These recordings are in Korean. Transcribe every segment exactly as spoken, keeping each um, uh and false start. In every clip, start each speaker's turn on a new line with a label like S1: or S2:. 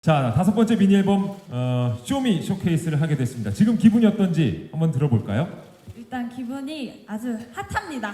S1: 자, 다섯 번째 미니 앨범 어, 쇼미 쇼케이스를 하게 됐습니다. 지금 기분이 어떤지 한번 들어볼까요?
S2: 일단 기분이 아주 핫합니다.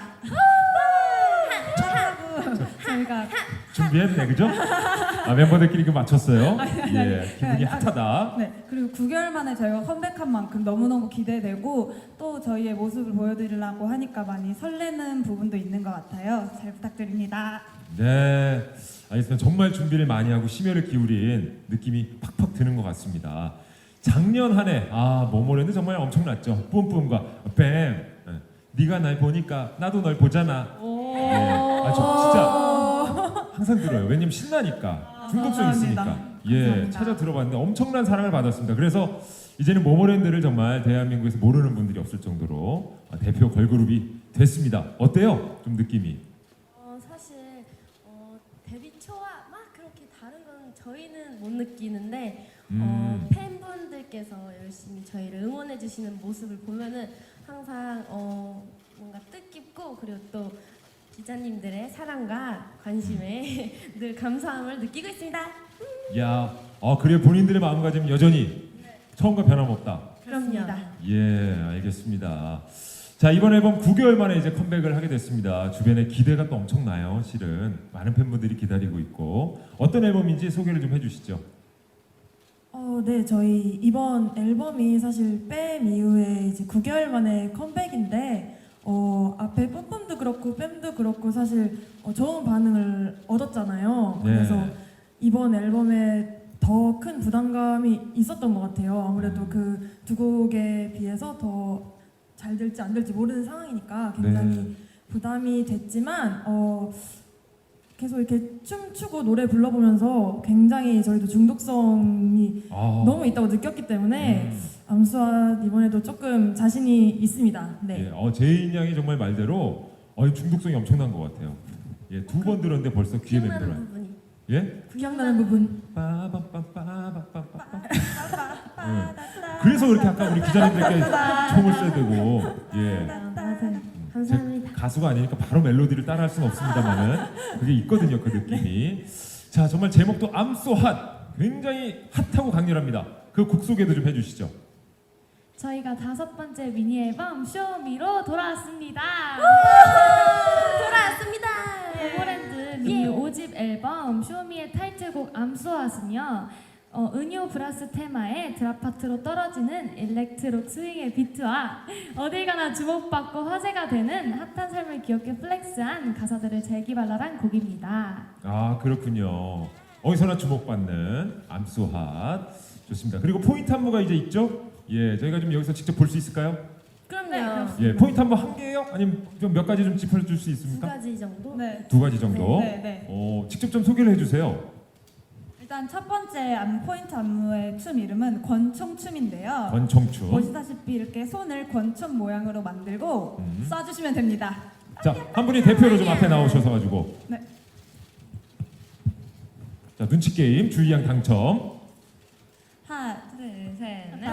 S2: 핫하고 저희가
S1: 준비했네, 그죠? 아, 멤버들끼리 그 맞췄어요.
S2: 아니,
S1: 예,
S2: 아니,
S1: 기분이
S2: 아니,
S1: 핫하다.
S2: 네, 그리고 구 개월 만에 저희가 컴백한 만큼 너무너무 기대되고 또 저희의 모습을 보여드리려고 하니까 많이 설레는 부분도 있는 것 같아요. 잘 부탁드립니다.
S1: 네, 알겠습니다. 정말 준비를 많이 하고 심혈을 기울인 느낌이 팍팍 드는 것 같습니다. 작년 한 해, 아, 모모랜드 정말 엄청났죠. 뿜뿜과 뱀. 예, 네가 날 보니까 나도 널 보잖아. 예, 아, 저 진짜 항상 들어요. 왜냐면 신나니까, 중독성
S2: 감사합니다.
S1: 있으니까. 예,
S2: 감사합니다.
S1: 찾아 들어봤는데 엄청난 사랑을 받았습니다. 그래서 이제는 모모랜드를 정말 대한민국에서 모르는 분들이 없을 정도로 대표 걸그룹이 됐습니다. 어때요? 좀 느낌이?
S3: 어, 사실 어, 데뷔 초와 막 그렇게 다른 건 저희는 못 느끼는데
S1: 음.
S3: 어, 팬분들께서 열심히 저희를 응원해 주시는 모습을 보면은 항상 어, 뭔가 뜻깊고 그리고 또 기자님들의 사랑과 관심에 늘 감사함을 느끼고 있습니다.
S1: 야, 어, 그래 본인들의 마음가짐 여전히 처음과 변함없다.
S3: 그럼요.
S1: 예, 알겠습니다. 자, 이번 앨범 구 개월 만에 이제 컴백을 하게 됐습니다. 주변에 기대가 또 엄청나요. 실은 많은 팬분들이 기다리고 있고 어떤 앨범인지 소개를 좀 해주시죠.
S4: 어, 네, 저희 이번 앨범이 사실 뺨 이후에 이제 구 개월 만에 컴백인데 어, 앞에 뿜뿜도 그렇고 뺨도 그렇고 사실 어, 좋은 반응을 얻었잖아요.
S1: 네.
S4: 그래서 이번 앨범에 더 큰 부담감이 있었던 것 같아요. 아무래도
S1: 음.
S4: 그 두 곡에 비해서 더 잘 될지 안 될지 모르는 상황이니까 굉장히
S1: 네.
S4: 부담이 됐지만 어, 계속 이렇게 춤추고 노래 불러보면서 굉장히 저희도 중독성이
S1: 아,
S4: 너무 있다고 느꼈기 때문에
S1: 음.
S4: 암수와 이번에도 조금 자신이 있습니다. 네.
S1: 예, 어, 제인 양이 정말 말대로 어, 중독성이 엄청난 것 같아요. 예, 두 번 들었는데 벌써 귀에
S3: 기억나는
S1: 맴돌아요.
S3: 부분이
S1: 예?
S4: 기억나는 부분.
S1: 빠밤빰빠밤빰빰빰. 예. 그래서 그렇게 아까 우리 기자님들께 총을 쏴야 되고, 예.
S3: 맞아요.
S1: 제
S3: 감사합니다.
S1: 가수가 아니니까 바로 멜로디를 따라할 수는 없습니다만은 그게 있거든요, 그 느낌이. 자, 정말 제목도 I'm so hot, 굉장히 핫하고 강렬합니다. 그 곡 소개도 좀 해주시죠.
S5: 저희가 다섯 번째 미니 앨범 쇼미로 돌아왔습니다.
S3: 돌아왔습니다.
S5: 모모랜드 미니 오 집 앨범 쇼미의 타이틀곡 암소핫은요, 어, 은요 브라스 테마의 드랍 파트로 떨어지는 일렉트로 스윙의 비트와 어딜 가나 주목받고 화제가 되는 핫한 삶을 귀엽게 플렉스한 가사들을 재기발랄한 곡입니다.
S1: 아, 그렇군요. 어디서나 주목받는 I'm so hot. 좋습니다. 그리고 포인트 안무가 이제 있죠? 예, 저희가 좀 여기서 직접 볼 수 있을까요?
S3: 그럼요.
S1: 예, 포인트 안무 한 개예요? 아니면 좀 몇 가지 좀 짚어줄 수
S3: 두
S1: 있습니까?
S3: 가지 정도.
S2: 네,
S1: 두 가지 정도.
S2: 네, 네.
S1: 어, 직접 좀 소개를 해주세요.
S2: 일단 첫 번째 안 포인트 안무의 춤 이름은 권총춤인데요.
S1: 권총춤.
S2: 보시다시피 이렇게 손을 권총 모양으로 만들고
S1: 음.
S2: 쏴주시면 됩니다.
S1: 자, 한 분이 대표로 좀 앞에 나오셔서 가지고.
S2: 네.
S1: 자, 눈치 게임 주의양 당첨.
S2: 하나, 둘, 셋, 넷.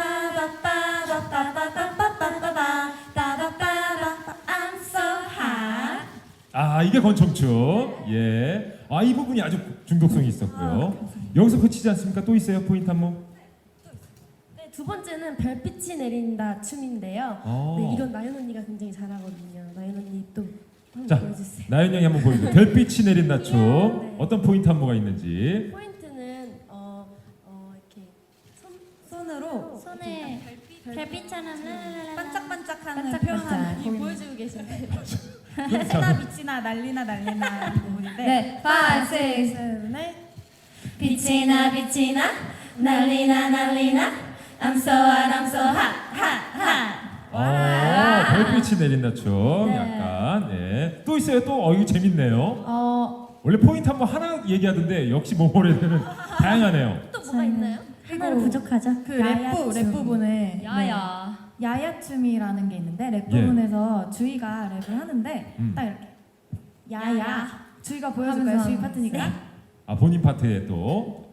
S3: I'm so hot.
S1: 아, 이게 권총춤. 예. 아, 이 부분이 아주 중독성이 있었고요. 여기서 그치지 않습니까? 또 있어요, 포인트 안무?
S3: 네, 두 번째는 별빛이 내린다 춤인데요.
S1: 아.
S3: 네, 이건 나연 언니가 굉장히 잘하거든요. 나연 언니 또 한번
S1: 자,
S3: 보여주세요.
S1: 나연 양이 한번 보여주세요. 별빛이 내린다 춤.
S3: 네.
S1: 어떤 포인트 안무가 있는지.
S3: 포인트는 어, 어 이렇게 손
S2: 손으로
S5: 손에 별빛처럼 랄랄랄라.
S2: 반짝반짝하는
S5: 반짝반짝.
S2: 표현하는
S3: 이
S2: 곡입니다.
S3: 보여주고 계신데
S2: 해나 빛이나 난리나 난리나 이 부분인데
S5: 네, five, six,
S4: 셋, 넷.
S3: 빛이 나 빛이 나 난리나 난리나 I'm so hot I'm so hot hot hot.
S1: 아, 별빛이 내린다 춤.
S5: 네.
S1: 약간. 네. 또 있어요, 또. 어, 이거 재밌네요.
S5: 어,
S1: 원래 포인트 한번 하나 얘기하던데 역시 모모랜드는 다양하네요.
S3: 또 뭐가 있나요?
S5: 하나로 부족하죠?
S4: 그 랩부 랩 부분에
S5: 야야.
S4: 네, 야야 춤이라는 게 있는데 랩
S1: 예.
S4: 부분에서 주희가 랩을 하는데
S1: 음.
S4: 딱 이렇게 야야,
S5: 야야.
S4: 주희가 보여줄까요?
S5: 하면서
S4: 주희 파트니까.
S1: 아, 본인 파트에 또.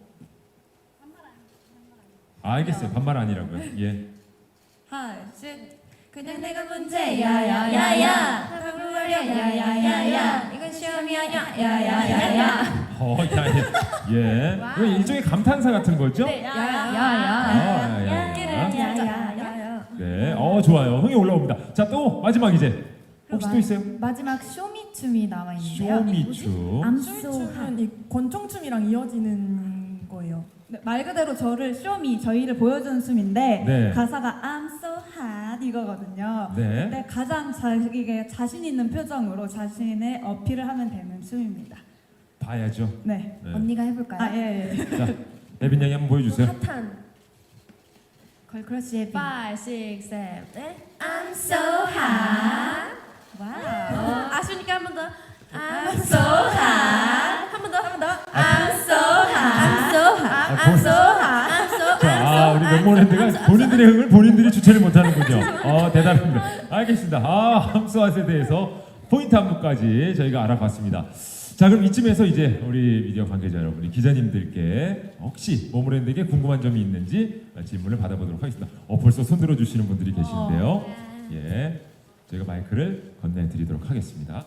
S1: 아, 알겠어요. 반말 아니라고요. 예.
S2: 하나, 둘,
S4: 그냥
S2: 내가
S4: 문제야
S3: 야야야야
S4: 야야야야 이건 시험이야 야야야야
S1: 어, 야, 예.
S3: 와우.
S1: 이거 일종의 감탄사 같은 거죠?
S3: 네,
S1: 아,
S5: 야야야.
S1: 야, 야, 야.
S3: 야야야야야.
S1: 네, 어 좋아요. 흥이 올라옵니다. 자, 또 마지막 이제 혹시 또 있어요?
S2: 마지막 쇼미춤이 나와 있는데요.
S1: 쇼미춤.
S2: I'm so hot.
S4: 춤은 이 권총춤이랑 이어지는 거예요.
S2: 네, 말 그대로 저를 쇼미 저희를 보여주는 춤인데
S1: 네.
S2: 가사가 I'm so hot 이거거든요.
S1: 네.
S2: 근데 가장 자기에게 자신 있는 표정으로 자신의 어필을 하면 되는 춤입니다.
S1: 봐야죠.
S2: 네.
S1: 네.
S5: 언니가 해볼까요?
S2: 아 예. 예.
S1: 자, 에빈 양이 한번 보여주세요.
S3: 핫한
S5: 걸크러쉬의 비.
S3: five, six, seven, eight. I'm so
S2: 아.
S3: hot.
S2: 와우.
S3: 아쉬우니까 한 번 더. I'm so hot. 한 번 더, 한 번 더. I'm so hot. I'm so hot.
S1: 아,
S3: I'm
S1: 본-
S3: so hot. I'm so
S1: 자, 아, 우리 멤버랜드가 본인들의 흥을 본인들이 주체를 못하는군요. 어, 대단합니다. 알겠습니다. 아, 함수화에 대해서 포인트 안무까지 저희가 알아봤습니다. 자, 그럼 이쯤에서 이제 우리 미디어 관계자 여러분이 기자님들께 혹시 모모랜드에게 궁금한 점이 있는지 질문을 받아보도록 하겠습니다. 어, 벌써 손 들어주시는 분들이 계시는데요. 예, 저희가 마이크를 건네드리도록 하겠습니다.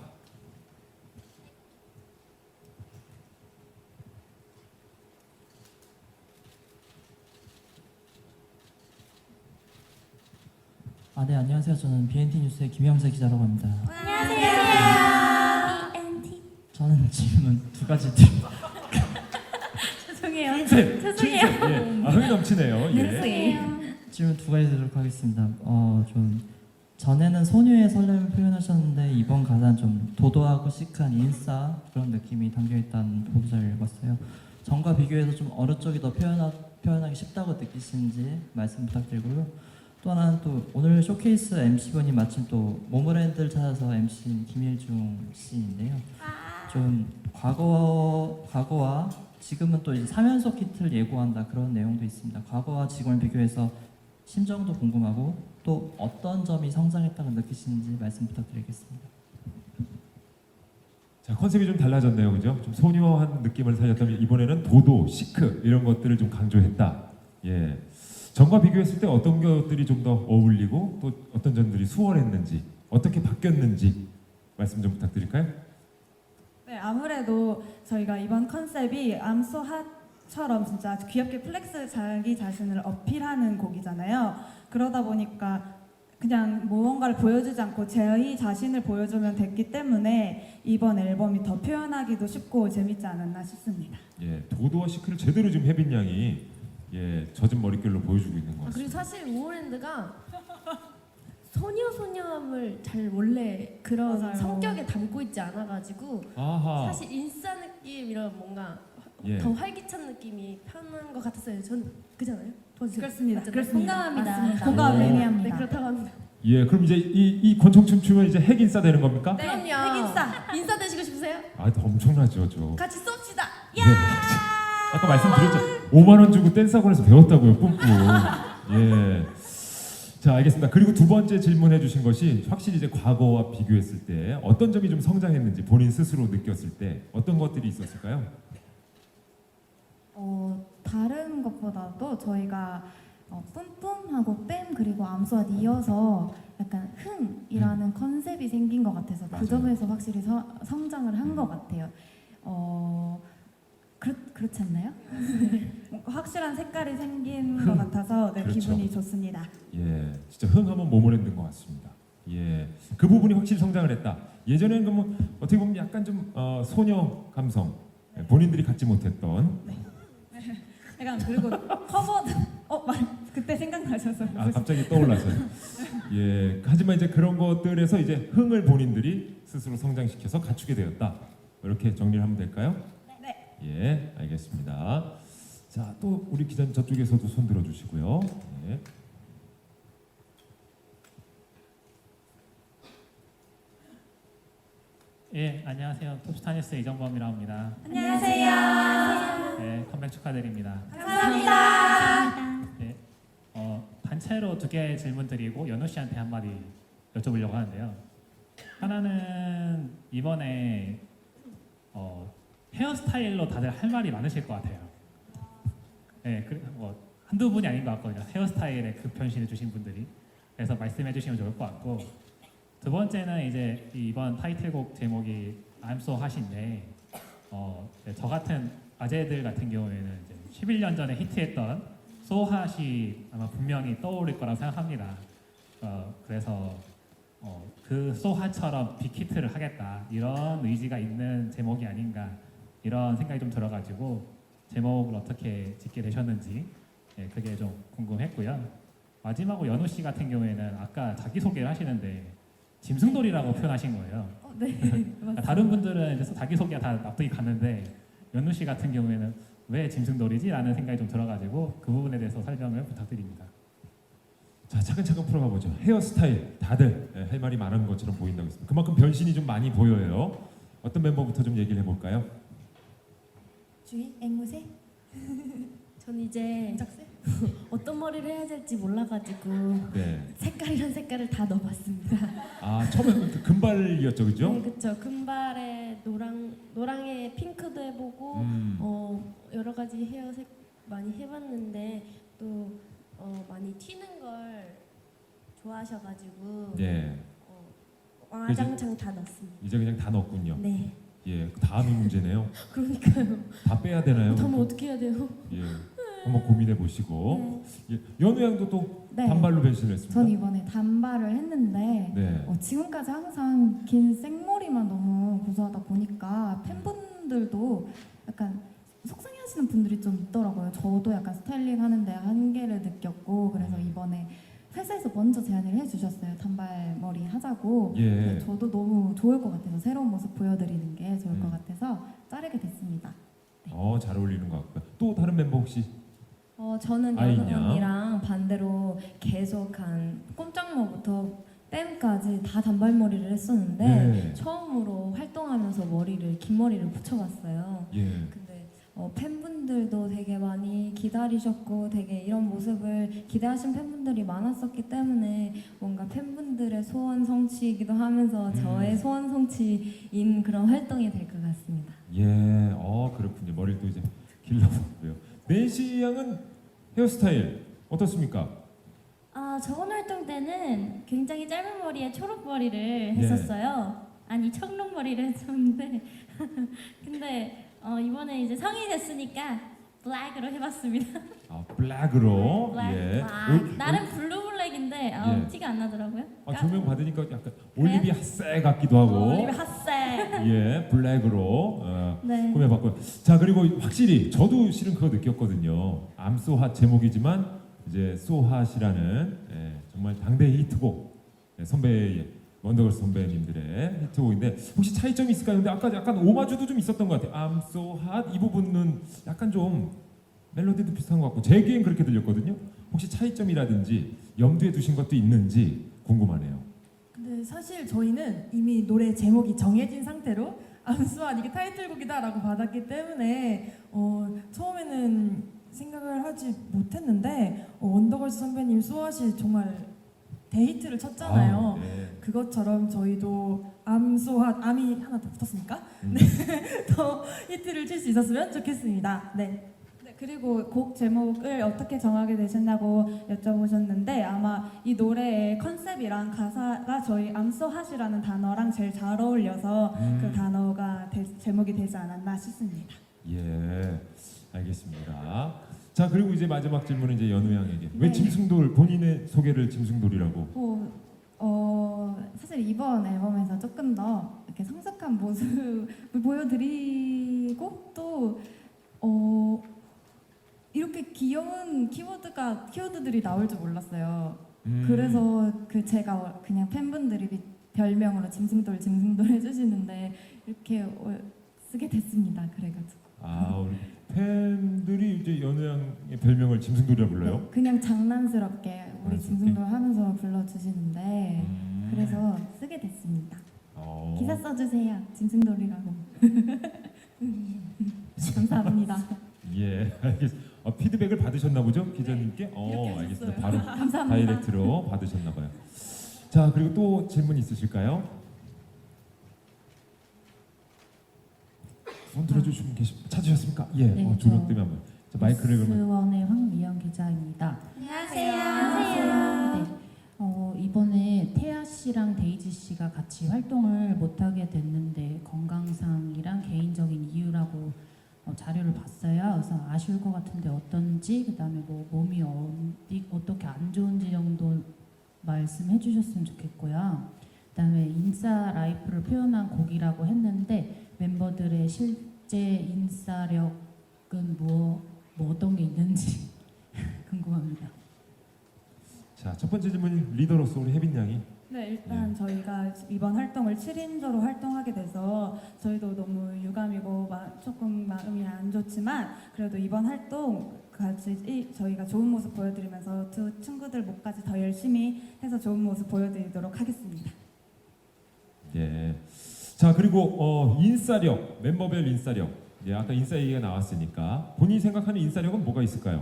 S6: 아, 네, 안녕하세요. 저는 비엔티 뉴스의 김영세 기자라고 합니다. 저는 질문 두 가지 드립.
S5: 죄송해요.
S1: 칭찬,
S5: 죄송해요.
S1: 칭찬. 예, 아, 흥이 넘치네요. 예.
S5: 죄송해요.
S6: 질문 두 가지 드리도록 하겠습니다. 어, 좀 전에는 소녀의 설렘을 표현하셨는데 이번 가사는 좀 도도하고 시크한 인싸 그런 느낌이 담겨 있다는 보도자를 읽었어요. 전과 비교해서 좀 어느 쪽이 더 표현하, 표현하기 쉽다고 느끼시는지 말씀 부탁드리고요. 또 하나는 또 오늘 쇼케이스 엠씨분이 마침 또 모모랜드를 찾아서 엠씨인 김일중 씨인데요. 좀 과거 과거와 지금은 또 이제 삼 연속 히트를 예고한다 그런 내용도 있습니다. 과거와 지금을 비교해서 심정도 궁금하고 또 어떤 점이 성장했다고 느끼시는지 말씀 부탁드리겠습니다.
S1: 자, 컨셉이 좀 달라졌네요, 그죠? 좀 소녀한 느낌을 살렸다면 이번에는 도도, 시크 이런 것들을 좀 강조했다. 예. 전과 비교했을 때 어떤 것들이 좀 더 어울리고 또 어떤 점들이 수월했는지 어떻게 바뀌었는지 말씀 좀 부탁드릴까요?
S2: 네, 아무래도 저희가 이번 컨셉이 I'm so hot처럼 진짜 귀엽게 플렉스 자기 자신을 어필하는 곡이잖아요. 그러다 보니까 그냥 무언가를 보여주지 않고 저희 자신을 보여주면 됐기 때문에 이번 앨범이 더 표현하기도 쉽고 재밌지 않았나 싶습니다.
S1: 예, 도도와 시크를 제대로 지금 혜빈 양이 예, 젖은 머릿결로 보여주고 있는 것
S3: 아, 그리고
S1: 같습니다.
S3: 사실 모모랜드가 소녀 소녀함을 잘 원래 그런
S2: 맞아요.
S3: 성격에 담고 있지 않아가지고
S1: 아하.
S3: 사실 인싸 느낌 이런 뭔가
S1: 예.
S3: 더 활기찬 느낌이 편한 것 같았어요. 전 그잖아요. 도와주세요.
S2: 그렇습니다.
S3: 맞잖아요.
S2: 그렇습니다.
S5: 공감합니다.
S2: 맞습니다.
S1: 오.
S2: 공감
S3: 네,
S2: 의미합니다.
S3: 그렇다고 합니다.
S1: 예, 그럼 이제 이, 이 권총춤 추면 이제 핵인싸 되는 겁니까?
S2: 네,
S3: 그럼요.
S2: 핵인싸.
S3: 인싸 되시고 싶으세요?
S1: 아, 엄청나죠, 저.
S3: 같이 쏩시다.
S1: 네. 아까 말씀드렸죠. 오만 원 주고 댄스 학원에서 배웠다고요, 뿜뿜. 예. 자, 알겠습니다. 그리고 두 번째 질문해 주신 것이 확실히 이제 과거와 비교했을 때 어떤 점이 좀 성장했는지 본인 스스로 느꼈을 때 어떤 것들이 있었을까요?
S5: 어, 다른 것보다도 저희가 어, 뿜뿜하고 뺨 그리고 암소와 이어서 약간 흥이라는 컨셉이 생긴 것 같아서
S1: 맞아요.
S5: 그 점에서 확실히 서, 성장을 한 것 같아요. 어, 그렇, 그렇지 않나요?
S2: 뭔가 확실한 색깔이 생긴
S1: 흥.
S2: 것 같아서 네,
S1: 그렇죠.
S2: 기분이 좋습니다.
S1: 예, 진짜 흥하면 모모랜드인 것 같습니다. 예, 그 부분이 확실히 성장을 했다. 예전에는 그러면 어떻게 보면 약간 좀 어, 소녀 감성, 예, 본인들이 갖지 못했던.
S2: 약간 그리고 커버 어 말, 그때 생각나셔서
S1: 아, 갑자기 떠올라서요. 예, 하지만 이제 그런 것들에서 이제 흥을 본인들이 스스로 성장시켜서 갖추게 되었다. 이렇게 정리를 하면 될까요?
S2: 네.
S1: 예, 알겠습니다. 자, 또 우리 기자님 저쪽에서도 손 들어주시고요. 예.
S7: 예, 안녕하세요. 톱스타뉴스 이정범이라고 합니다.
S2: 안녕하세요.
S7: 네, 컴백 축하드립니다.
S2: 감사합니다.
S7: 네, 어, 단체로 두 개 질문 드리고 연우 씨한테 한마디 여쭤보려고 하는데요. 하나는 이번에 어, 헤어스타일로 다들 할 말이 많으실 것 같아요. 네, 그, 뭐 한두 분이 아닌 것 같거든요. 헤어스타일에 급 변신해 주신 분들이. 그래서 말씀해 주시면 좋을 것 같고, 두 번째는 이제 이번 타이틀곡 제목이 I'm so hot인데 어, 이제 저 같은 아재들 같은 경우에는 이제 십일 년 전에 히트했던 소핫이 아마 분명히 떠오를 거라고 생각합니다. 어, 그래서 어, 그 소핫처럼 빅히트를 하겠다 이런 의지가 있는 제목이 아닌가 이런 생각이 좀 들어가지고 제목을 어떻게 짓게 되셨는지 예, 그게 좀 궁금했고요. 마지막으로 연우 씨 같은 경우에는 아까 자기 소개를 하시는데 짐승돌이라고 표현하신 거예요.
S2: 어, 네.
S7: 그러니까 다른 분들은 이제 자기 소개가 다 납득이 가는데 연우 씨 같은 경우에는 왜 짐승돌이지라는 생각이 좀 들어가지고 그 부분에 대해서 설명을 부탁드립니다.
S1: 자, 차근차근 풀어가 보죠. 헤어스타일 다들 예, 할 말이 많은 것처럼 보인다고 했습니다. 그만큼 변신이 좀 많이 보여요. 어떤 멤버부터 좀 얘기를 해볼까요?
S4: 주희, 앵무새,
S3: 전 이제
S4: 짝새.
S3: 어떤 머리를 해야 될지 몰라가지고
S1: 네.
S3: 색깔이란 색깔을 다 넣어봤습니다.
S1: 아, 처음에 그 금발이었죠, 그죠?
S3: 네, 그쵸. 금발에 노랑 노랑에 핑크도 해보고
S1: 음.
S3: 어, 여러 가지 헤어색 많이 해봤는데 또 어, 많이 튀는 걸 좋아하셔가지고
S1: 네.
S3: 어, 와장창 다 넣었습니다.
S1: 이제 그냥 다 넣었군요.
S3: 네.
S1: 예, 그 다음이 문제네요.
S3: 그러니까요.
S1: 다 빼야 되나요?
S3: 그러면 어떻게 해야 돼요?
S1: 예, 한번 고민해 보시고. 예, 연우 양도 또
S2: 네.
S1: 단발로 변신을 했습니다.
S2: 전 이번에 단발을 했는데
S1: 네.
S2: 어, 지금까지 항상 긴 생머리만 너무 고수하다 보니까 팬분들도 약간 속상해하시는 분들이 좀 있더라고요. 저도 약간 스타일링 하는데 한계를 느꼈고 그래서 이번에 회사에서 먼저 제안을 해주셨어요. 단발머리 하자고.
S1: 예.
S2: 근데 저도 너무 좋을 것 같아서 새로운 모습 보여드리는 게 좋을
S1: 음.
S2: 것 같아서 자르게 됐습니다.
S1: 어, 잘 어울리는 것 같고요. 또 다른 멤버 혹시?
S8: 어 저는
S1: 아이냐?
S8: 연우 언니랑 반대로 계속 한 꼼짝모부터 뺨까지 다 단발머리를 했었는데
S1: 네.
S8: 처음으로 활동하면서 머리를 긴 머리를 붙여봤어요.
S1: 예.
S8: 근데 어, 팬분들도 되게 많이 기다리셨고 되게 이런 모습을 기대하신 팬분들이 많았었기 때문에 뭔가 팬분들의 소원 성취이기도 하면서
S1: 음.
S8: 저의 소원 성취인 그런 활동이 될 것 같습니다.
S1: 예, 어 그렇군요. 머리를 또 이제 길러봤고요. 낸시 양은 헤어스타일 어떻습니까?
S9: 아, 저번 활동 때는 굉장히 짧은 머리에 초록 머리를
S1: 네.
S9: 했었어요. 아니 청록 머리를 했었는데 근데 어, 이번에 이제 성인이 됐으니까 블랙으로 해봤습니다.
S1: 아, 블랙으로.
S9: 블랙,
S1: 예.
S9: 블랙.
S1: 올-
S9: 나름 블루 블랙인데 어,
S1: 예.
S9: 티가 안 나더라고요.
S1: 아, 조명 받으니까 약간 올리비 핫세 같기도 하고.
S9: 올리브 핫색.
S1: 예, 블랙으로 어,
S9: 네.
S1: 꾸며봤고요. 자, 그리고 확실히 저도 실은 그거 느꼈거든요. I'm so hot 제목이지만 이제 so hot이라는 예, 정말 당대 히트곡 예, 선배 원더걸스 선배님들의 히트곡인데 혹시 차이점이 있을까요? 근데 아까 약간 오마주도 좀 있었던 것 같아요. I'm so hot 이 부분은 약간 좀 멜로디도 비슷한 것 같고 제게엔 그렇게 들렸거든요. 혹시 차이점이라든지 염두에 두신 것도 있는지 궁금하네요.
S4: 근데 사실 저희는 이미 노래 제목이 정해진 상태로 암수한 이게 타이틀곡이다라고 받았기 때문에 어, 처음에는 생각을 하지 못했는데 어, 원더걸스 선배님 소아시 정말 데이트를 쳤잖아요.
S1: 아, 네.
S4: 그것처럼 저희도 암소한 암이 하나 더 붙었으니까
S1: 음.
S4: 더 히트를 칠 수 있었으면 좋겠습니다. 네.
S2: 네, 그리고 곡 제목을 어떻게 정하게 되셨냐고 여쭤보셨는데 아마 이 노래의 컨셉이랑 가사가 저희 I'm so hot이라는 단어랑 제일 잘 어울려서
S1: 음.
S2: 그 단어가 되, 제목이 되지 않았나 싶습니다.
S1: 예, 알겠습니다. 자, 그리고 이제 마지막 질문은 이제 연우 양에게 왜
S2: 네.
S1: 짐승돌 본인의 소개를 짐승돌이라고?
S2: 어, 어, 사실 이번 앨범에서 조금 더 이렇게 성숙한 모습을 보여드리고 또 어, 이렇게 귀여운 키워드가 키워드들이 나올 줄 몰랐어요.
S1: 음,
S2: 그래서 그 제가 그냥 팬분들이 미- 별명으로 짐승돌 짐승돌 해주시는데 이렇게 어, 쓰게 됐습니다. 그래가지고
S1: 아, 우리 팬들이 이제 연우 양의 별명을 짐승돌이라 불러요?
S2: 네, 그냥 장난스럽게 우리
S1: 장난스럽게?
S2: 짐승돌 하면서 불러주시는데
S1: 음.
S2: 그래서 쓰게 됐습니다.
S1: 어.
S2: 기사 써주세요. 짐승돌이라고. 감사합니다.
S1: 예, 알겠습니다. 어, 피드백을 받으셨나 보죠, 기자님께? 어, 알겠습니다. 바로
S2: 감사합니다.
S1: 다이렉트로 받으셨나 봐요. 자, 그리고 또 질문 있으실까요? 손 들어주시면 계시 찾으셨습니까? 예,
S10: 네,
S1: 어, 조명
S10: 저
S1: 때문에 한번. 자, 마이크를 그러면.
S10: 스원의 황미영 기자입니다.
S9: 안녕하세요.
S10: 네, 어, 이번에 태아 씨 씨랑 데이지 씨가 같이 활동을 못하게 됐는데 건강상이랑 개인적인 이유라고 어, 자료를 봤어요. 그래서 아쉬울 것 같은데 어떤지, 그다음에 뭐 몸이 어디, 어떻게 안 좋은지 정도 말씀해 주셨으면 좋겠고요. 그다음에 인싸 라이프를 표현한 곡이라고 했는데 멤버들의 실제 인싸력은 뭐, 뭐 어떤 게 있는지 궁금합니다.
S1: 자, 첫 번째 질문 리더로서 우리 혜빈 양이.
S2: 네, 일단 저희가 이번 활동을 칠 인조로 활동하게 돼서 저희도 너무 유감이고 마, 조금 마음이 안 좋지만 그래도 이번 활동 같이 이, 저희가 좋은 모습 보여드리면서 두 친구들 목까지 더 열심히 해서 좋은 모습 보여드리도록 하겠습니다.
S1: 예. 자, 그리고 어, 인싸력, 멤버별 인싸력. 예, 아까 인싸 얘기가 나왔으니까 본인이 생각하는 인싸력은 뭐가 있을까요?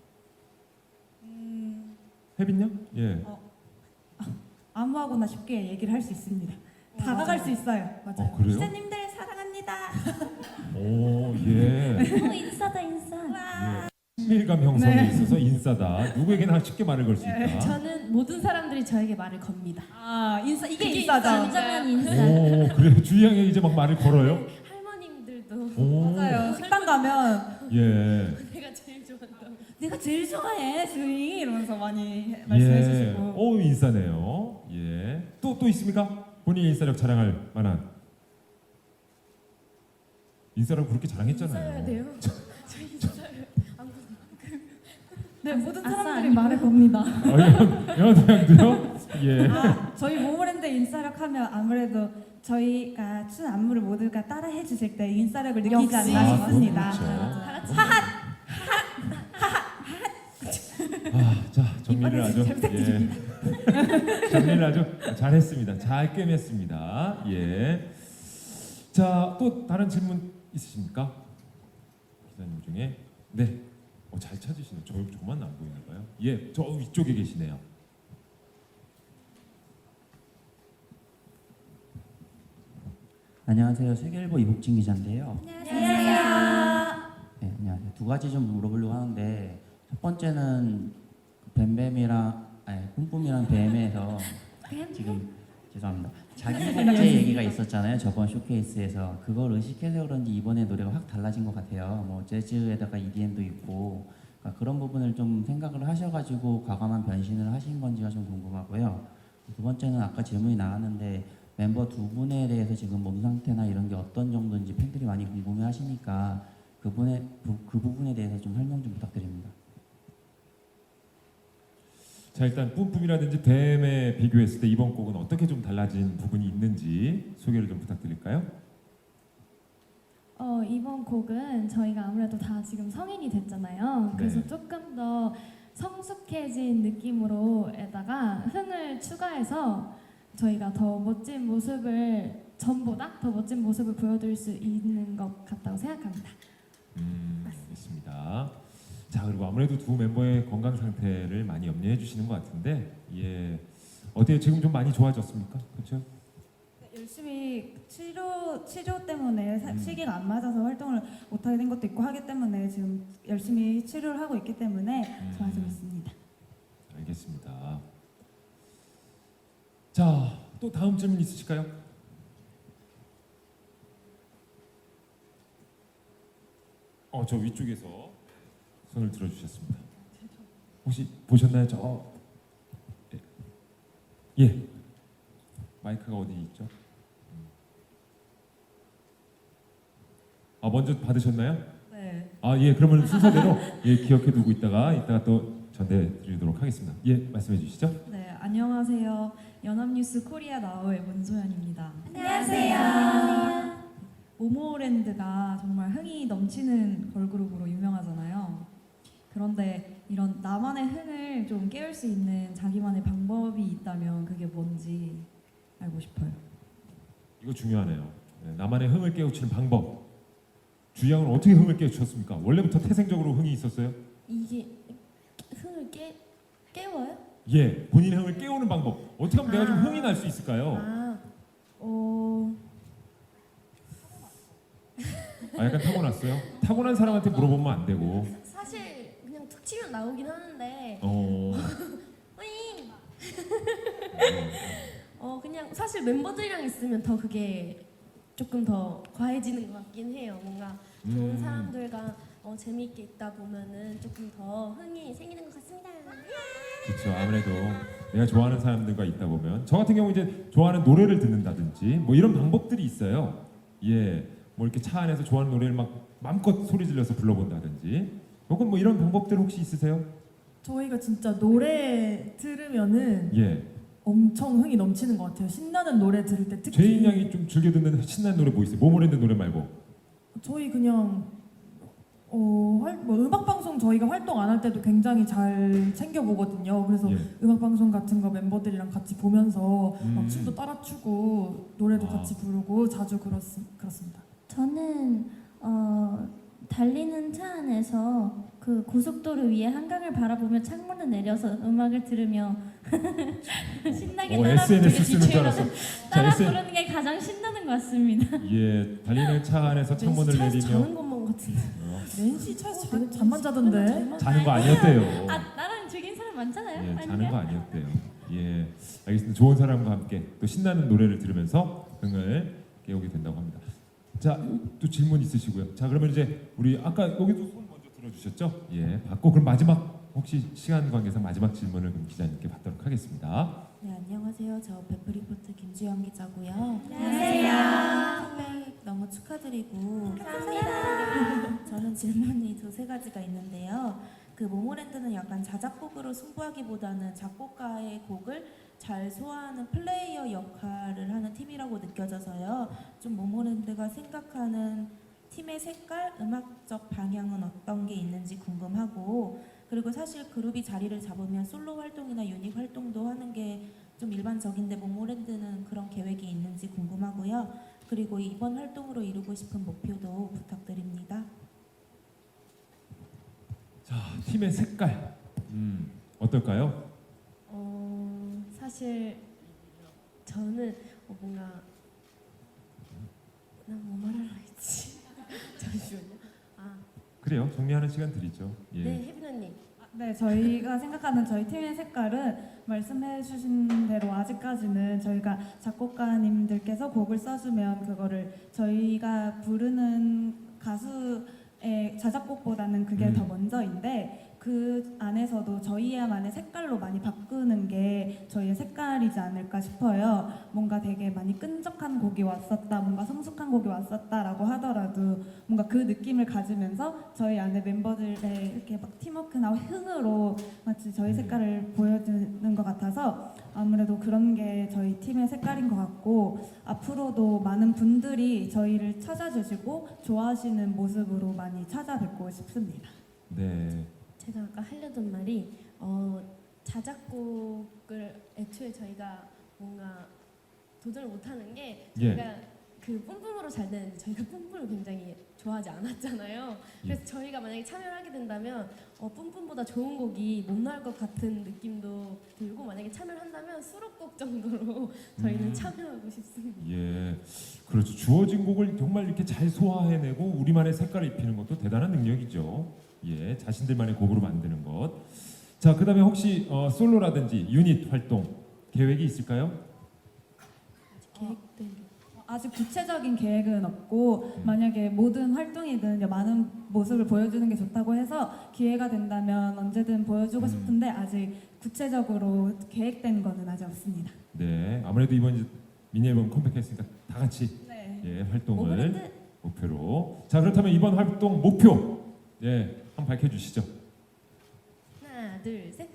S2: 음,
S1: 혜빈 양? 예.
S2: 어, 아무하고나 쉽게 얘기를 할 수 있습니다. 다가갈 수 있어요.
S1: 어, 그래요?
S2: 기자님들 사랑합니다.
S1: 오, 예.
S9: 어, 인싸다 인싸.
S1: 예. 친밀감 형성에
S2: 네.
S1: 있어서 인싸다. 누구에게나 쉽게 말을 걸 수 있다.
S3: 저는 모든 사람들이 저에게 말을 겁니다.
S2: 아, 인싸 이게
S3: 그게
S2: 인싸죠.
S9: 진정한 인싸.
S1: 오, 그래요. 주희 양이 이제 막 말을 걸어요?
S3: 할머님들도
S1: 오,
S2: 맞아요. 식당 가면
S1: 예.
S3: 내가 제일 좋아한다고.
S2: 내가 제일 좋아해 주희 이러면서 많이 말씀해
S1: 예.
S2: 주시고.
S1: 오, 인싸네요. 예. 또, 또 있습니까? 본인의 인싸력 자랑할 만한. 인싸라고 그렇게 자랑했잖아요.
S3: 인싸여야 돼요. 저 인싸요.
S2: 네, 모든
S9: 아싸
S2: 사람들이
S9: 아니고.
S2: 말을 겁니다.
S1: 아, 연, 연호양도요? 예.
S2: 아, 저희 모모랜드 인싸력 하면 아무래도 저희가 춘 안무를 모두가 따라해 주실 때 인싸력을 느끼지
S3: 역시.
S2: 않나
S1: 아,
S2: 싶습니다.
S1: 그건 그렇죠.
S2: 하핫!
S1: 아, 자, 정리를 아주
S2: 잘 부탁드립니다.
S1: 예. 정리를 아주 잘했습니다. 잘 꿰맸습니다. 예. 자, 또 다른 질문 있으십니까? 기자님 중에 네. 어, 잘 찾으시네. 저 저만 안 보이나 봐요. 예, 저 위쪽에 계시네요.
S11: 안녕하세요. 세계일보 이복진 기자인데요.
S2: 안녕하세요.
S11: 네, 안녕하세요. 두 가지 좀 물어보려고 하는데 첫 번째는 뱀뱀이랑 아니 뿜뿜이랑 뱀에서 지금 죄송합니다. 자기 복제 얘기가 있었잖아요. 저번 쇼케이스에서 그걸 의식해서 그런지 이번에 노래가 확 달라진 것 같아요. 뭐 재즈에다가 이디엠도 있고 그러니까 그런 부분을 좀 생각을 하셔가지고 과감한 변신을 하신 건지가 좀 궁금하고요. 두 번째는 아까 질문이 나왔는데 멤버 두 분에 대해서 지금 몸 상태나 이런 게 어떤 정도인지 팬들이 많이 궁금해하시니까 그분의 부, 그 부분에 대해서 좀 설명 좀 부탁드립니다.
S1: 자, 일단 뿜뿜이라든지 뱀에 비교했을 때 이번 곡은 어떻게 좀 달라진 부분이 있는지 소개를 좀 부탁드릴까요?
S5: 어, 이번 곡은 저희가 아무래도 다 지금 성인이 됐잖아요. 그래서
S1: 네.
S5: 조금 더 성숙해진 느낌으로에다가 흥을 추가해서 저희가 더 멋진 모습을 전보다 더 멋진 모습을 보여드릴 수 있는 것 같다고 생각합니다.
S1: 음, 알겠습니다. 자, 그리고 아무래도 두 멤버의 건강 상태를 많이 염려해 주시는 것 같은데, 예, 어때요? 지금 좀 많이 좋아졌습니까? 그렇죠?
S2: 네, 열심히 치료 치료 때문에 사-
S1: 음.
S2: 시기가 안 맞아서 활동을 못 하게 된 것도 있고 하기 때문에 지금 열심히 치료를 하고 있기 때문에
S1: 음.
S2: 좋아지고 있습니다.
S1: 알겠습니다. 자, 또 다음 질문 있으실까요? 어, 저 위쪽에서 손을 들어주셨습니다. 혹시 보셨나요? 저 예, 예. 마이크가 어디 있죠? 음. 아, 먼저 받으셨나요?
S12: 네.
S1: 아, 예, 그러면 순서대로 예, 기억해 두고 있다가 이따가 또 전해 드리도록 하겠습니다. 예, 말씀해 주시죠.
S12: 네, 안녕하세요. 연합뉴스 코리아 나우의 문소연입니다.
S2: 안녕하세요.
S12: 모모랜드가 정말 흥이 넘치는 걸그룹으로 유명하잖아요. 그런데 이런 나만의 흥을 좀 깨울 수 있는 자기만의 방법이 있다면 그게 뭔지 알고 싶어요.
S1: 이거 중요하네요. 네, 나만의 흥을 깨우치는 방법. 주양은 어떻게 흥을 깨우쳤습니까? 원래부터 태생적으로 흥이 있었어요?
S3: 이게 흥을 깨 깨워요?
S1: 예, 본인의 흥을 깨우는 방법. 어떻게 하면 내가 좀
S3: 아.
S1: 흥이 날 수 있을까요?
S3: 아, 어,
S1: 아, 약간 타고났어요? 타고난 사람한테 물어보면 안 되고.
S3: 사실 그냥 툭 치면 나오긴 하는데
S1: 어.
S3: 으잉! 어 그냥 사실 멤버들이랑 있으면 더 그게 조금 더 과해지는 것 같긴 해요. 뭔가 좋은
S1: 음.
S3: 사람들과 어, 재미있게 있다 보면은 조금 더 흥이 생기는 것 같습니다.
S1: 그렇죠. 아무래도 내가 좋아하는 사람들과 있다 보면 저 같은 경우 이제 좋아하는 노래를 듣는다든지 뭐 이런 방법들이 있어요. 예, 뭐 이렇게 차 안에서 좋아하는 노래를 막 마음껏 소리 질러서 불러본다든지 혹은 뭐 이런 방법들 혹시 있으세요?
S4: 저희가 진짜 노래 들으면은
S1: 예,
S4: 엄청 흥이 넘치는 것 같아요. 신나는 노래 들을 때 특히.
S1: 제인 양이 좀 즐겨 듣는 신나는 노래 뭐 있어요? 모모랜드 노래 말고.
S4: 저희 그냥 어, 활, 뭐 음악 방송 저희가 활동 안 할 때도 굉장히 잘 챙겨 보거든요. 그래서
S1: 예.
S4: 음악 방송 같은 거 멤버들이랑 같이 보면서
S1: 음.
S4: 막 춤도 따라 추고 노래도
S1: 아.
S4: 같이 부르고 자주 그렇, 그렇습니다.
S9: 저는 어, 달리는 차 안에서 그 고속도로 위에 한강을 바라보며 창문을 내려서 음악을 들으며 신나게
S1: 어,
S9: 따라
S1: 에스엔에스
S9: 부르는
S1: 쓰는 줄 알았어.
S9: 따라
S1: 자, 에스엔
S9: 부르는 게 가장 신나는 것 같습니다.
S1: 예, 달리는 차 안에서 창문을
S3: 차에서
S1: 내리며
S3: 자는 것만 같은데.
S1: 어,
S4: 낸시 차에서 되게 잠만 자던데.
S1: 자는 거 아니었대요.
S9: 아 나랑 즐긴 사람 많잖아요.
S1: 예, 자는
S9: 아니면?
S1: 거 아니었대요. 예, 알겠습니다. 좋은 사람과 함께 또 신나는 노래를 들으면서 흥을 깨우게 된다고 합니다. 자, 또 질문 있으시고요. 자, 그러면 이제 우리 아까 여기도 손 먼저 들어주셨죠? 예, 받고 그럼 마지막 혹시 시간 관계상 마지막 질문을 그럼 기자님께 받도록 하겠습니다.
S13: 네, 안녕하세요. 저 베프리포트 김주영 기자고요.
S9: 안녕하세요.
S13: 컴백 너무 축하드리고 감사합니다. 저는 질문이 두세 가지가 있는데요. 그 모모랜드는 약간 자작곡으로 승부하기보다는 작곡가의 곡을 잘 소화하는 플레이어 역할을 하는 팀이라고 느껴져서요. 좀 모모랜드가 생각하는 팀의 색깔, 음악적 방향은 어떤 게 있는지 궁금하고, 그리고 사실 그룹이 자리를 잡으면 솔로 활동이나 유닛 활동도 하는 게 좀 일반적인데 모모랜드는 그런 계획이 있는지 궁금하고요. 그리고 이번 활동으로 이루고 싶은 목표도 부탁드립니다.
S1: 자, 팀의 색깔, 음, 어떨까요?
S3: 어 사실 저는 어, 뭔가 난 뭐 말하려 했지. 잠시만요. 아,
S1: 그래요. 정리하는 시간 드리죠. 예.
S3: 네, 혜빈 언니.
S2: 네, 저희가 생각하는 저희 팀의 색깔은 말씀해주신 대로 아직까지는 저희가 작곡가님들께서 곡을 써주면 그거를 저희가 부르는 가수의 자작곡보다는 그게
S1: 음.
S2: 더 먼저인데 그 안에서도 저희야만의 색깔로 많이 바꾸는 게 저희의 색깔이지 않을까 싶어요. 뭔가 되게 많이 끈적한 곡이 왔었다, 뭔가 성숙한 곡이 왔었다라고 하더라도 뭔가 그 느낌을 가지면서 저희 안에 멤버들의 이렇게 막 팀워크나 흥으로 마치 저희 색깔을 보여주는 것 같아서 아무래도 그런 게 저희 팀의 색깔인 것 같고 앞으로도 많은 분들이 저희를 찾아주시고 좋아하시는 모습으로 많이 찾아뵙고 싶습니다.
S1: 네.
S3: 제가 아까 하려던 말이 어, 자작곡을 애초에 저희가 뭔가 도전을 못하는 게
S1: 예.
S3: 저희가 그 뿜뿜으로 잘 되는데 저희가 뿜뿜을 굉장히 좋아하지 않았잖아요. 그래서 저희가 만약에 참여를 하게 된다면 어, 뿜뿜보다 좋은 곡이 못 나올 것 같은 느낌도 들고 만약에 참여를 한다면 수록곡 정도로 저희는
S1: 음.
S3: 참여하고 싶습니다.
S1: 예, 그렇죠. 주어진 곡을 정말 이렇게 잘 소화해내고 우리만의 색깔을 입히는 것도 대단한 능력이죠. 예, 자신들만의 곡으로 만드는 것. 자, 그다음에 혹시 어, 솔로라든지 유닛 활동 계획이 있을까요?
S3: 계획들.
S2: 아직 구체적인 계획은 없고
S1: 음.
S2: 만약에 모든 활동이든 많은 모습을 보여주는 게 좋다고 해서 기회가 된다면 언제든 보여주고
S1: 음.
S2: 싶은데 아직 구체적으로 계획된 거는 아직 없습니다.
S1: 네, 아무래도 이번 이제 미니 앨범 컴백했으니까 다 같이
S2: 네.
S1: 예, 활동을
S3: 모모랜드.
S1: 목표로. 자, 그렇다면 이번 활동 목표 예, 한번 밝혀주시죠.
S3: 하나, 둘, 셋.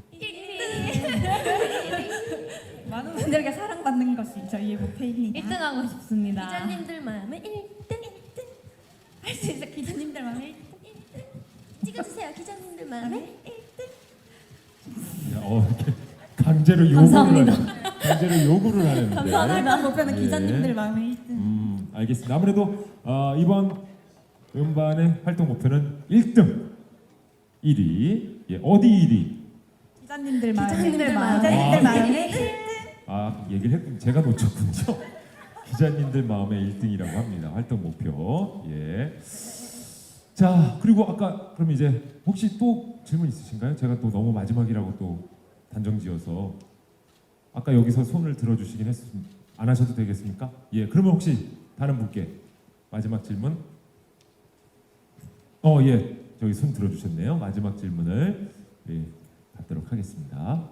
S2: 많은 분들에게 사랑받는 것이 저희의 목표입니다.
S9: 일 등 하고 싶습니다.
S3: 기자님들 마음에 일 등, 일 등.
S2: 할 수 있어 기자님들 마음에 일 등.
S3: 찍어주세요. 기자님들 마음에 일 등.
S1: 야, 어, 이렇게 강제로 요구를
S9: 감사합니다.
S1: 하는, 강제로 요구를 하는데.
S2: 감사합니다. 목표는
S1: 예.
S2: 기자님들 마음에 일 등.
S1: 음, 알겠습니다. 아무래도 어, 이번 음반의 활동 목표는 일 등, 일 위. 예, 어디 일 위?
S2: 기자님들 마음에
S3: 기자님들 마음에.
S2: 기자님들
S1: 아.
S2: 마음에 일 등.
S1: 아, 얘기를 했 제가 놓쳤군요. 기자님들 마음에 일 등이라고 합니다. 활동 목표. 예. 자, 그리고 아까 그럼 이제 혹시 또 질문 있으신가요? 제가 또 너무 마지막이라고 또 단정지어서. 아까 여기서 손을 들어주시긴 했습니다. 안 하셔도 되겠습니까? 예, 그러면 혹시 다른 분께 마지막 질문? 어, 예, 저기 손 들어주셨네요. 마지막 질문을 예, 받도록 하겠습니다.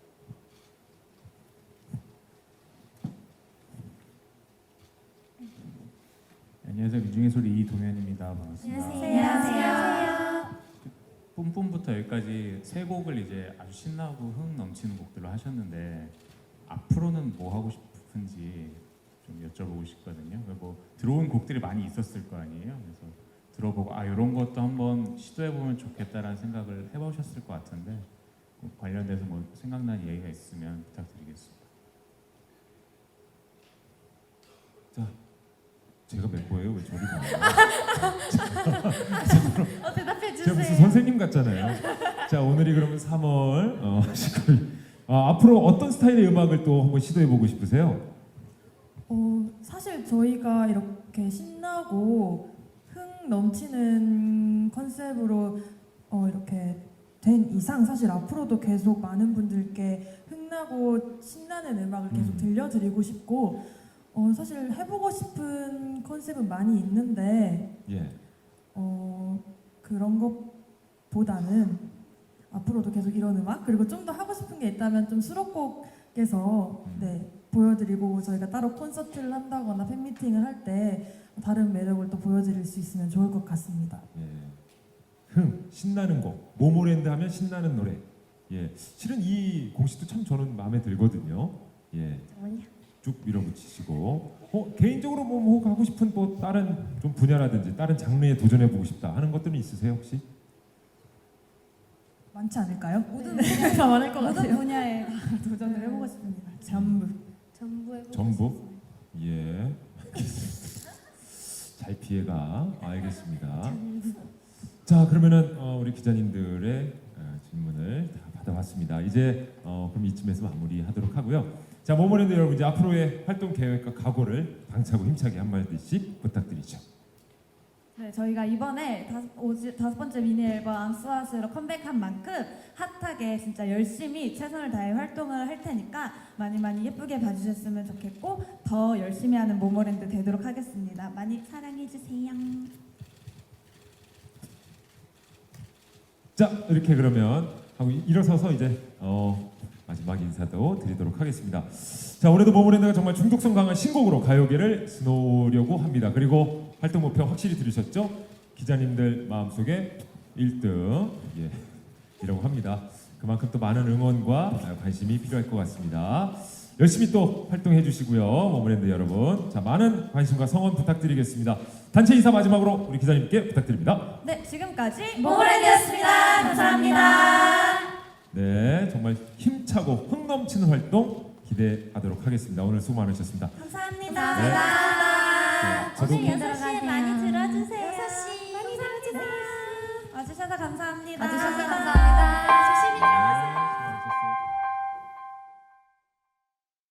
S14: 안녕하세요. 민중의 소리 이동현입니다. 반갑습니다.
S3: 안녕하세요.
S14: 뿜뿜부터 여기까지 세 곡을 이제 아주 신나고 흥 넘치는 곡들로 하셨는데 앞으로는 뭐 하고 싶은지 좀 여쭤보고 싶거든요. 뭐 들어온 곡들이 많이 있었을 거 아니에요. 그래서 들어보고 아 이런 것도 한번 시도해 보면 좋겠다라는 생각을 해보셨을 것 같은데 뭐 관련돼서 뭐 생각나는 얘기가 있으면 부탁드리겠습니다.
S1: 자, 제가 멤버예요. 왜 저리 가요?
S2: 어, 대답해
S1: 제가 무슨
S2: 주세요.
S1: 선생님 같잖아요. 자, 오늘이 그러면 삼월 어, 십구일. 아, 앞으로 어떤 스타일의 음악을 또 한번 시도해 보고 싶으세요?
S4: 어, 사실 저희가 이렇게 신나고 흥 넘치는 컨셉으로 어, 이렇게 된 이상 사실 앞으로도 계속 많은 분들께 흥나고 신나는 음악을 계속
S1: 음.
S4: 들려드리고 싶고 어, 사실 해보고 싶은 컨셉은 많이 있는데
S1: 예.
S4: 어, 그런 것보다는 앞으로도 계속 이런 음악 그리고 좀 더 하고 싶은 게 있다면 좀 수록곡에서
S1: 음.
S4: 네, 보여드리고 저희가 따로 콘서트를 한다거나 팬미팅을 할 때 다른 매력을 또 보여드릴 수 있으면 좋을 것 같습니다.
S1: 예. 흥, 신나는 곡. 모모랜드 하면 신나는 노래. 예. 실은 이 공식도 참 저는 마음에 들거든요. 예.
S3: 정말요?
S1: 쭉 밀어붙이시고 어, 개인적으로 뭐, 뭐 가고 싶은 뭐 다른 좀 분야라든지 다른 장르에 도전해 보고 싶다 하는 것들은 있으세요 혹시?
S4: 많지 않을까요?
S2: 모든
S4: 네, 다 많을 것
S2: 모든
S4: 같아요.
S2: 분야에 다 도전을 해보고 싶습니다. 전부.
S3: 전부 해보고
S1: 전부?
S3: 싶어서.
S1: 예. 잘 피해가. 알겠습니다. 자, 그러면은 어, 우리 기자님들의 어, 질문을 다 받아봤습니다. 이제 어, 그럼 이쯤에서 마무리하도록 하고요. 자, 모모랜드 여러분 이제 앞으로의 활동 계획과 각오를 당차고 힘차게 한 마디씩 부탁드리죠.
S2: 네, 저희가 이번에 다섯, 오지, 다섯 번째 미니 앨범 암스와스로 컴백한 만큼 핫하게 진짜 열심히 최선을 다해 활동을 할 테니까 많이 많이 예쁘게 봐주셨으면 좋겠고 더 열심히 하는 모모랜드 되도록 하겠습니다. 많이 사랑해주세요.
S1: 자, 이렇게 그러면 하고 일어서서 이제 어, 마지막 인사도 드리도록 하겠습니다. 자, 올해도 모모랜드가 정말 중독성 강한 신곡으로 가요계를 수놓으려고 합니다. 그리고 활동 목표 확실히 들으셨죠? 기자님들 마음속에 일 등 예, 이라고 합니다. 그만큼 또 많은 응원과 관심이 필요할 것 같습니다. 열심히 또 활동해 주시고요. 모모랜드 여러분. 자, 많은 관심과 성원 부탁드리겠습니다. 단체 인사 마지막으로 우리 기자님께 부탁드립니다.
S2: 네, 지금까지
S13: 모모랜드였습니다. 감사합니다.
S1: 네, 정말 힘차고 흥 넘치는 활동 기대하도록 하겠습니다. 오늘 수고 많으셨습니다.
S2: 감사합니다.
S1: 네. 네, 저도
S9: 오늘 여섯 시에 많이 들어주세요.
S3: 여섯 시
S9: 많이 들어주세요.
S2: 와주셔서 감사합니다.
S9: 와주셔서